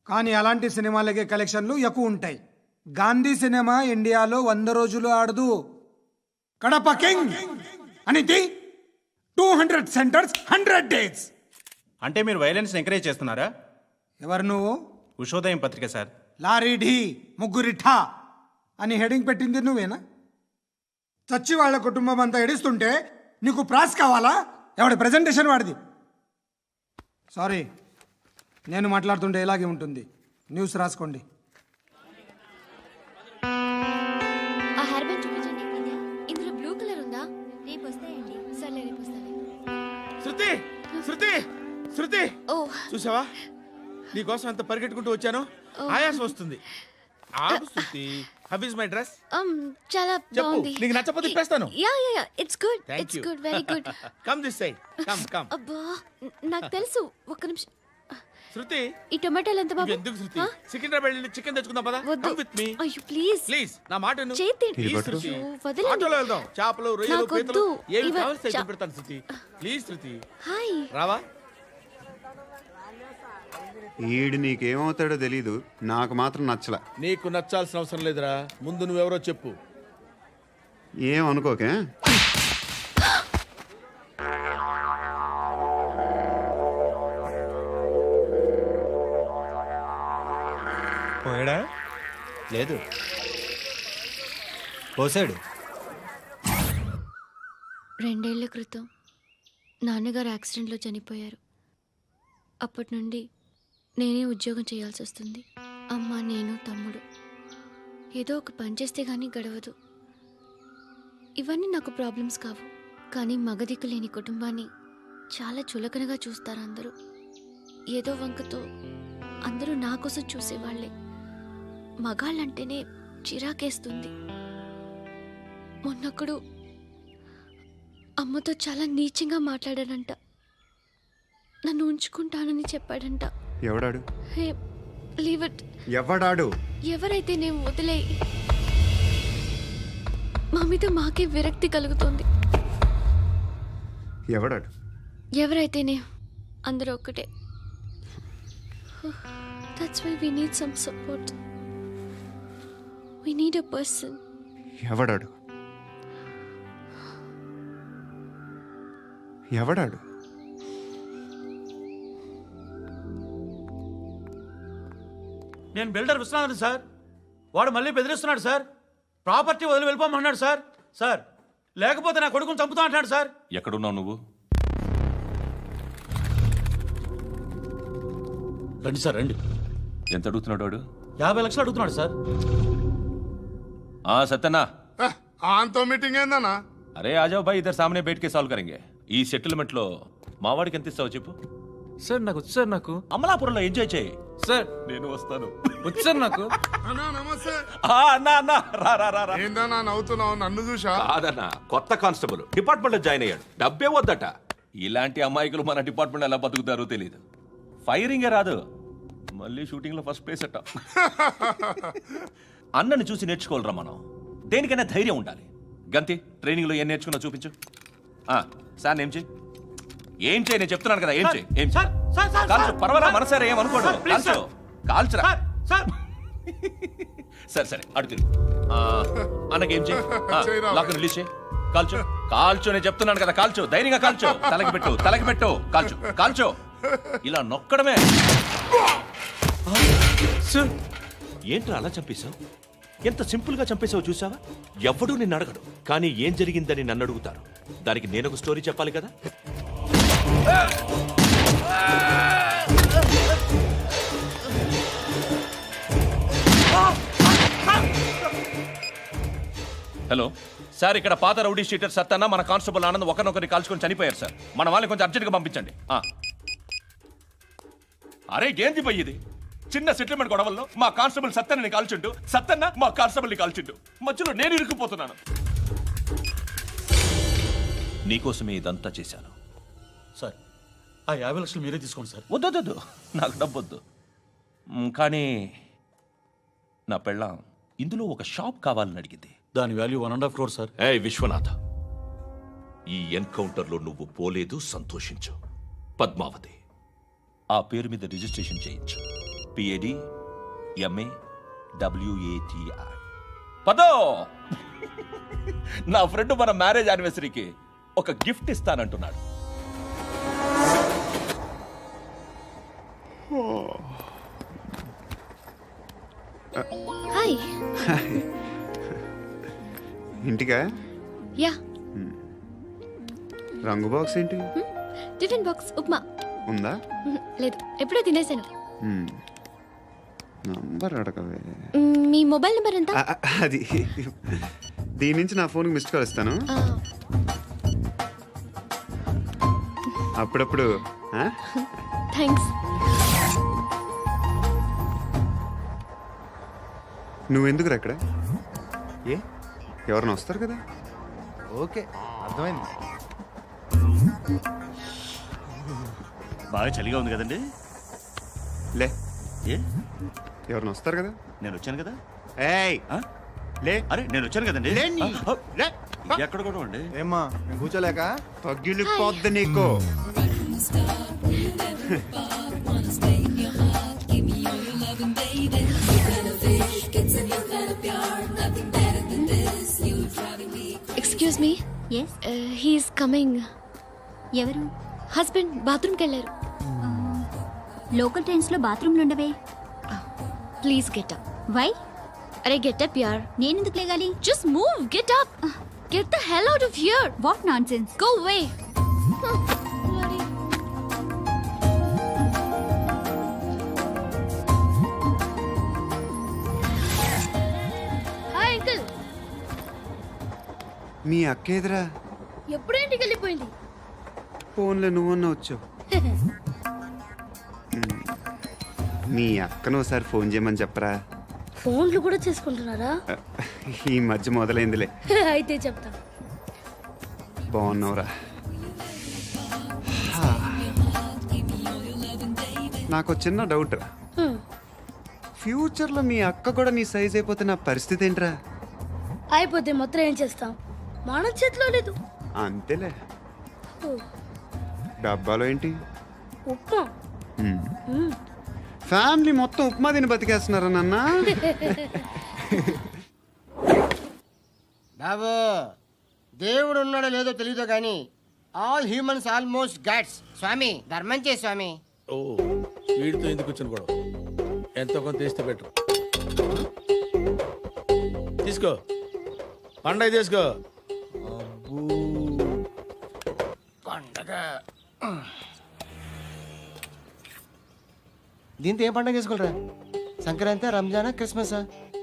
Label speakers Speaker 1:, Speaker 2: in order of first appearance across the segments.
Speaker 1: కానీ అలాంటి సినిమాలకే కలెక్షన్లు ఎక్కువ ఉంటాయి. గాంధీ సినిమా ఇండియాలో 100 రోజులు ఆడదు. కడప కింగ్ అనేది 200 సెంటర్స్ 100 డేస్.
Speaker 2: అంటే మీరు వైలెన్స్ ఎంకరేజ్ చేస్తున్నారా?
Speaker 1: ఎవరు నువ్వు?
Speaker 2: ఉషోదయం పత్రిక సార్.
Speaker 1: లారీ ఢీ ముగ్గురి ఠా అని హెడింగ్ పెట్టింది నువ్వేనా? చచ్చి వాళ్ళ కుటుంబం అంతా ఎడుస్తుంటే నీకు ప్రాస్ కావాలా? ఎవడి ప్రెజెంటేషన్ వాడిది. సారీ, నేను మాట్లాడుతుంటే ఇలాగే ఉంటుంది. న్యూస్ రాసుకోండి.
Speaker 3: ఆ హెయిర్ బ్యాండ్ చూపించండి. ఇందులో బ్లూ కలర్ ఉందా? రేపు వస్తాయండి. సర్లే, రేపు వస్తాను.
Speaker 4: శృతి శృతి శృతి,
Speaker 3: ఓ
Speaker 4: చూసావా నీకోసం ఎంత పరిగెట్టుకుంటూ వచ్చాను. ఆయాసం వస్తుంది. ఆగు Shruti. How is my dress?
Speaker 3: చాలా
Speaker 4: చెప్పు,
Speaker 3: బాగుంది.
Speaker 4: నీకు నచ్చకపోతే తిప్పేస్తాను.
Speaker 3: Yeah yeah yeah, it's good.
Speaker 4: Thank
Speaker 3: it's
Speaker 4: you.
Speaker 3: Good, very good.
Speaker 4: Come this side. Come come.
Speaker 3: అబ్బా, నాకు తెలుసు. ఒక్క నిమిషం.
Speaker 4: శృతి,
Speaker 3: ఈ టొమాటోలు ఎంత బాబు?
Speaker 4: ఎందుకు శృతి? సికింద్రాబాద్ వెళ్ళి చికెన్ తెచ్చుకుందాం పదా.
Speaker 3: వద్దు.
Speaker 4: కమ్ విత్ మీ
Speaker 3: అయ్యో ప్లీజ్
Speaker 4: ప్లీజ్. నా మాట విను.
Speaker 3: చేతి
Speaker 4: ప్లీజ్ శృతి.
Speaker 3: అయ్యో, వదలండి.
Speaker 4: ఆటోలో వెళ్దాం. చేపలు, రొయ్యలు,
Speaker 3: నాకు
Speaker 4: పీతలు
Speaker 3: వద్దు.
Speaker 4: ఏమి
Speaker 3: ఇవ-
Speaker 4: కావాలి సైకిల్ పెడతాను శృతి. Please Shruti.
Speaker 3: హాయ్.
Speaker 4: రావా?
Speaker 5: ఈడు నీకేమవుతాడో తెలీదు, నాకు మాత్రం నచ్చల.
Speaker 4: నీకు నచ్చాల్సిన అవసరం లేదురా. ముందు నువ్వెవరో చెప్పు.
Speaker 5: ఏమనుకోకే.
Speaker 2: పోయాడా? లేదు, పోసాడు.
Speaker 3: 2 ఏళ్ల క్రితం నాన్నగారు యాక్సిడెంట్లో చనిపోయారు. అప్పటి నుండి నేనే ఉద్యోగం చేయాల్సి వస్తుంది. అమ్మ, నేను, తమ్ముడు ఏదో ఒక పని చేస్తే కానీ గడవదు. ఇవన్నీ నాకు ప్రాబ్లమ్స్ కావు, కానీ మగదిక్కు లేని కుటుంబాన్ని చాలా చులకనగా చూస్తారు అందరూ. ఏదో వంకతో అందరూ నా కోసం చూసేవాళ్లే. మగాళ్ళంటేనే చిరాకేస్తుంది. మొన్నప్పుడు అమ్మతో చాలా నీచంగా మాట్లాడాడంట. నన్ను ఉంచుకుంటానని చెప్పాడంట.
Speaker 5: ఎవడాడు?
Speaker 3: Hey, leave it.
Speaker 5: ఎవడాడు?
Speaker 3: ఎవరైతే నేను వదిలే. మా మీద మాకే విరక్తి కలుగుతుంది.
Speaker 5: ఎవడాడు?
Speaker 3: ఎవరైతేనే అందరూ ఒక్కటే. That's why we need some support. We need a person.
Speaker 5: ఎవడాడు? ఎవడాడు?
Speaker 6: నేను బిల్డర్ విశ్వనాథన్ సార్. వాడు మళ్ళీ బెదిరిస్తున్నాడు సార్. ప్రాపర్టీ వదిలి వెళ్ళిపోమన్నాడు సార్. సార్, లేకపోతే నా కొడుకుని చంపుతా అంటున్నాడు సార్.
Speaker 7: ఎక్కడున్నావు నువ్వు?
Speaker 6: రండి సార్, రండి.
Speaker 7: ఎంత అడుగుతున్నాడు వాడు?
Speaker 6: 50 లక్షలు అడుగుతున్నాడు సార్.
Speaker 7: సత్యన్నా,
Speaker 8: ఆంతో మీటింగ్ ఏందన్నా?
Speaker 7: అరే ఆజావ్ భాయ్, ఇద్దరు సామనే బయటకే సాల్వ్ కరెంగే. ఈ సెటిల్మెంట్ లో మావాడికి ఎంత ఇస్తావు చెప్పు.
Speaker 6: సార్ నాకు వచ్చు సార్. నాకు
Speaker 7: అమలాపురంలో ఎంజాయ్ చేయి
Speaker 6: సార్.
Speaker 7: నేను వస్తాను.
Speaker 6: వచ్చు సార్ నాకు.
Speaker 8: అన్నా నమస్తే.
Speaker 7: అన్నా అన్నా, రా రా రా రా.
Speaker 8: ఏందన్నా నవ్వుతున్నావు? నన్ను చూసా?
Speaker 7: కాదన్నా, కొత్త కానిస్టేబుల్ డిపార్ట్మెంట్ లో జాయిన్ అయ్యాడు. డబ్బే వద్దట. ఇలాంటి అమాయకులు మన డిపార్ట్మెంట్ ఎలా బతుకుతారో తెలియదు. ఫైరింగే రాదు, మళ్ళీ షూటింగ్ లో ఫస్ట్ ప్లేస్ అట్ట. అన్నని చూసి నేర్చుకోవాలరా మనం. దేనికైనా ధైర్యం ఉండాలి. గంతి, ట్రైనింగ్ లో ఏం నేర్చుకున్నా చూపించు. సార్ ఏం చేయి, ఏం చేయి, నేను చెప్తున్నాను కదా. ఏం చేయి, ఏం చేయి. కాల్చు, పర్వాలా, మనసారా ఏం అనుకోడు. కాల్చు, కాల్చురా. సరే సరే, అడుగుతుంది. అన్నకేం చేయి, లాక్ రిలీజ్ చేయి. కాల్చు, కాల్చు, నేను చెప్తున్నాను కదా. కాల్చు, ధైర్యంగా కాల్చు. తలకి పెట్టు, తలకి పెట్టు. కాల్చు, కాల్చు. ఇలా నొక్కడమే. ఏంట్రా అలా చంపేశావు? ఎంత సింపుల్ గా చంపేశావు చూసావా? ఎవడూ నిన్ను అడగడు, కానీ ఏం జరిగిందని నన్ను అడుగుతారు. దానికి నేను ఒక స్టోరీ చెప్పాలి కదా. హలో సార్, ఇక్కడ పాత రౌడీ షీటర్ సత్తన్న, మన కానిస్టేబుల్ ఆనంద్ ఒకరినొకరిని కాల్చుకొని చనిపోయారు సార్. మన వాళ్ళని కొంచెం అర్జెంట్గా పంపించండి. అరే ఏంది పోయి ఇది? చిన్న సెటిల్మెంట్ గొడవల్లో మా కానిస్టేబుల్ సత్తన్నని కాల్చుంటూ, సత్తన్న మా కానిస్టేబుల్ని కాల్చుంటూ, మధ్యలో నేను ఇరుక్కుపోతున్నాను. నీకోసమే ఇదంతా చేశాను
Speaker 6: సార్. ఆ 50 లక్షలు మీరే తీసుకోండి సార్.
Speaker 7: వద్దొద్దు, నాకు డబ్బొద్దు. కానీ నా పెళ్ళాం ఇందులో ఒక షాప్ కావాలని అడిగింది.
Speaker 6: దాని వాల్యూ 1.5 crore సార్.
Speaker 7: ఏ విశ్వనాథ, ఈ ఎన్కౌంటర్లో నువ్వు పోలేదు, సంతోషించు. పద్మావతి ఆ పేరు మీద రిజిస్ట్రేషన్ చేయించు. PAD MA WATI. పదో నా ఫ్రెండ్ మన మ్యారేజ్ యానివర్సరీకి ఒక గిఫ్ట్ ఇస్తానంటున్నాడు.
Speaker 3: హాయ్.
Speaker 5: ఇంటికా?
Speaker 3: యా.
Speaker 5: రంగు బాక్స్ ఏంటి?
Speaker 3: Tiffin box upma.
Speaker 5: ఉందా?
Speaker 3: లేదు, ఎప్పుడో తినేసాను.
Speaker 5: నంబర్ అడగవే.
Speaker 3: మీ మొబైల్ నెంబర్ ఎంత?
Speaker 5: అది దీని నుంచి నా ఫోన్కి మిస్డ్ కాల్ ఇస్తాను. అప్పుడప్పుడు.
Speaker 3: థ్యాంక్స్.
Speaker 5: నువ్వెందుకురా ఇక్కడ? ఏ ఎవరైనా వస్తారు కదా?
Speaker 9: ఓకే, అర్థమైంది.
Speaker 6: బాగా చలిగా ఉంది కదండి.
Speaker 5: లే,
Speaker 6: ఏ
Speaker 5: ఎవరైనా వస్తారు కదా?
Speaker 6: నేను వచ్చాను కదా.
Speaker 5: ఏయ్ లే.
Speaker 6: అరే నేను వచ్చాను కదండి.
Speaker 5: లేని. లే.
Speaker 6: ఎక్కడ కూడా అండి.
Speaker 9: ఏమ్మా నేను కూర్చోలేక?
Speaker 5: తగ్గిలిపోద్ది నీకు.
Speaker 3: Excuse me.
Speaker 10: Yes,
Speaker 3: he's coming.
Speaker 10: ఎవరు?
Speaker 3: హస్బెండ్ బాత్రూమ్కి వెళ్ళారు.
Speaker 10: లోకల్ ట్రైన్స్ లో బాత్రూమ్లు ఉండవే.
Speaker 3: Please get up.
Speaker 10: వై?
Speaker 3: అరే గెట్ అప్ యార్.
Speaker 10: నేనెందుకు లేగాలి?
Speaker 3: Just move, get up. Get the hell out of here.
Speaker 10: What nonsense.
Speaker 3: Go away. Hi uncle.
Speaker 5: మీ అక్క ఎదురా?
Speaker 3: ఎప్పుడు ఇంటికి వెళ్ళిపోయింది?
Speaker 5: ఫోన్లో నువ్వన్నా వచ్చావు. మీ అక్కను ఒకసారి ఫోన్ చేయమని చెప్పరా.
Speaker 3: ఫోన్లు కూడా చేసుకుంటున్నారా?
Speaker 5: ఈ మధ్య మొదలైందిలే.
Speaker 3: అయితే చెప్తా.
Speaker 5: బాగున్నావురా? నాకు చిన్న డౌట్ రా. ఫ్యూచర్లో మీ అక్క కూడా నీ సైజ్ అయిపోతే నా పరిస్థితి ఏంట్రా?
Speaker 3: అయిపోతే మొత్తం ఏం చేస్తాం? మన చేతిలో లేదు.
Speaker 5: అంతేలే. డబ్బాలో ఏంటి?
Speaker 3: ఉప్మా.
Speaker 5: ఫ్యామిలీ మొత్తం ఉప్మా తిని బతికేస్తున్నారా నాన్న?
Speaker 9: బాబు, దేవుడు ఉన్నాడో లేదో తెలియదు కానీ ఆల్ హ్యూమన్స్ ఆల్మోస్ట్ గాడ్స్. స్వామి ధర్మం చే స్వామి.
Speaker 4: ఓ వీడితో ఎందుకు వచ్చిన గొడవ? ఎంతో కొంత తీస్తే బెటర్. తీసుకో, పండగ తీసుకో. పండగ
Speaker 9: దీంతో ఏం పండగ చేసుకోలేరా? సంక్రాంతి, రంజానా, క్రిస్మసా?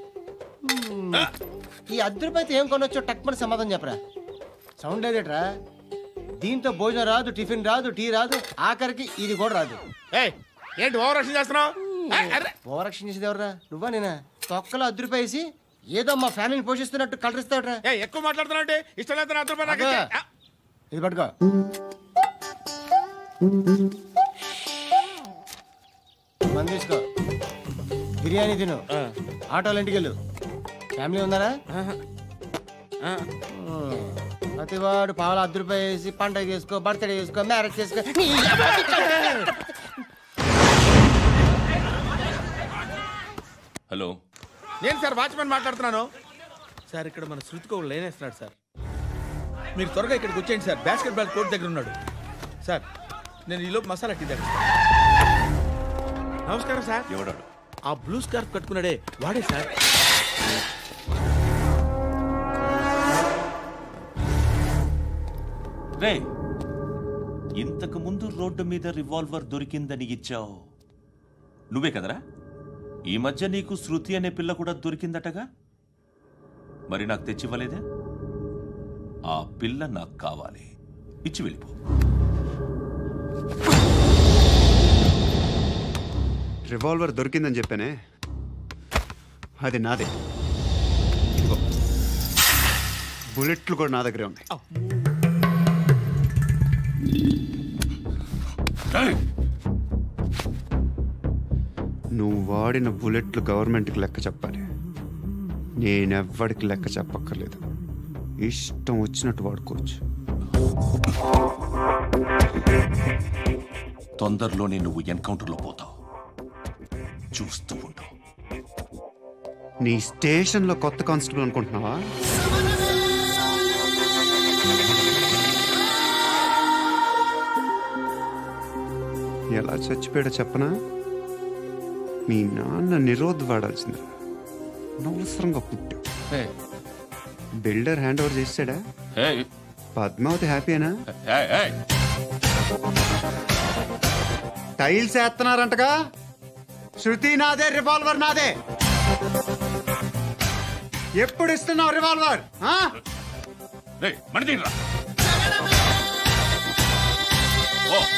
Speaker 9: ఈ ₹10 ఏం కొనొచ్చో టక్మని సమాధానం చెప్పరా. సౌండ్ లేదేట్రా? దీంతో భోజనం రాదు, టిఫిన్ రాదు, టీ రాదు, ఆఖరికి ఇది కూడా రాదు.
Speaker 4: ఏయ్, ఏంటి ఓవర్ యాక్షన్ చేస్తున్నావు?
Speaker 9: ఓవరాక్షన్ చేసేది ఎవరా? నువ్వా నేనా? తొక్కలో ₹10 వేసి ఏదో మా ఫ్యామిలీని పోషిస్తున్నట్టు కలరిస్తావుట్రా.
Speaker 4: ఎక్కువ మాట్లాడుతున్నావు అంటే ఇష్టం లేదు. ₹10
Speaker 9: ఇది పట్టుకో. మంది తీసుకో, బిర్యానీ తిను, ఆటోలు ఇంటికి వెళ్ళు. ఫ్యామిలీ ఉన్నారా? ప్రతివాడు పావులు ₹10 వేసి పండగ చేసుకో, బర్త్డే చేసుకో, మ్యారేజ్ చేసుకో.
Speaker 7: హలో,
Speaker 4: నేను సార్ వాచ్మెన్ మాట్లాడుతున్నాను సార్. ఇక్కడ మన శృతికి ఒక లైన్ వేస్తున్నాడు సార్. మీరు త్వరగా ఇక్కడికి వచ్చేయండి సార్. బాస్కెట్ బాల్ కోర్ట్ దగ్గర ఉన్నాడు సార్. నేను ఈలోపు మసాలా టీ దగ్గర. నమస్కారం సార్.
Speaker 7: ఎవడాడు?
Speaker 4: ఆ బ్లూ స్కార్ఫ్ కట్టుకున్నాడే వాడే సార్.
Speaker 7: రే, ఇంతకు ముందు రోడ్డు మీద రివాల్వర్ దొరికిందని ఇచ్చావు నువ్వే కదరా? ఈ మధ్య నీకు శృతి అనే పిల్ల కూడా దొరికిందటగా? మరి నాకు తెచ్చివ్వలేదే? ఆ పిల్ల నాకు కావాలి, ఇచ్చి వెళ్ళిపో.
Speaker 5: రివాల్వర్ దొరికిందని చెప్పానే, అది నాదే. ఇదిగో, బుల్లెట్లు కూడా నా దగ్గరే ఉన్నాయి. నువ్వు వాడిన బుల్లెట్లు గవర్నమెంట్కి లెక్క చెప్పాలి. నేనెవ్వడికి లెక్క చెప్పక్కర్లేదు. ఇష్టం వచ్చినట్టు వాడుకోవచ్చు.
Speaker 7: తొందరలోనే నువ్వు ఎన్కౌంటర్లో పోతావు. చూస్తూ ఉండు.
Speaker 5: నీ స్టేషన్లో కొత్త కానిస్టేబుల్ అనుకుంటున్నావా? ఎలా చచ్చిపోయాడో చెప్పనా? మీ నాన్న నిరోధ్ వాడాల్సింది, అనవసరంగా పుట్టావు.
Speaker 7: హే,
Speaker 5: బిల్డర్ హ్యాండ్ ఓవర్ చేసాడా?
Speaker 7: హే,
Speaker 5: పద్మావతి హ్యాపీనా?
Speaker 7: Hey, hey.
Speaker 5: టైల్స్ వేస్తున్నారంటగా? శృతి నాదే, రివాల్వర్ నాదే. ఎప్పుడు ఇస్తున్నావు రివాల్వర్?
Speaker 7: రేయ్, మణి తీయరా. ఓ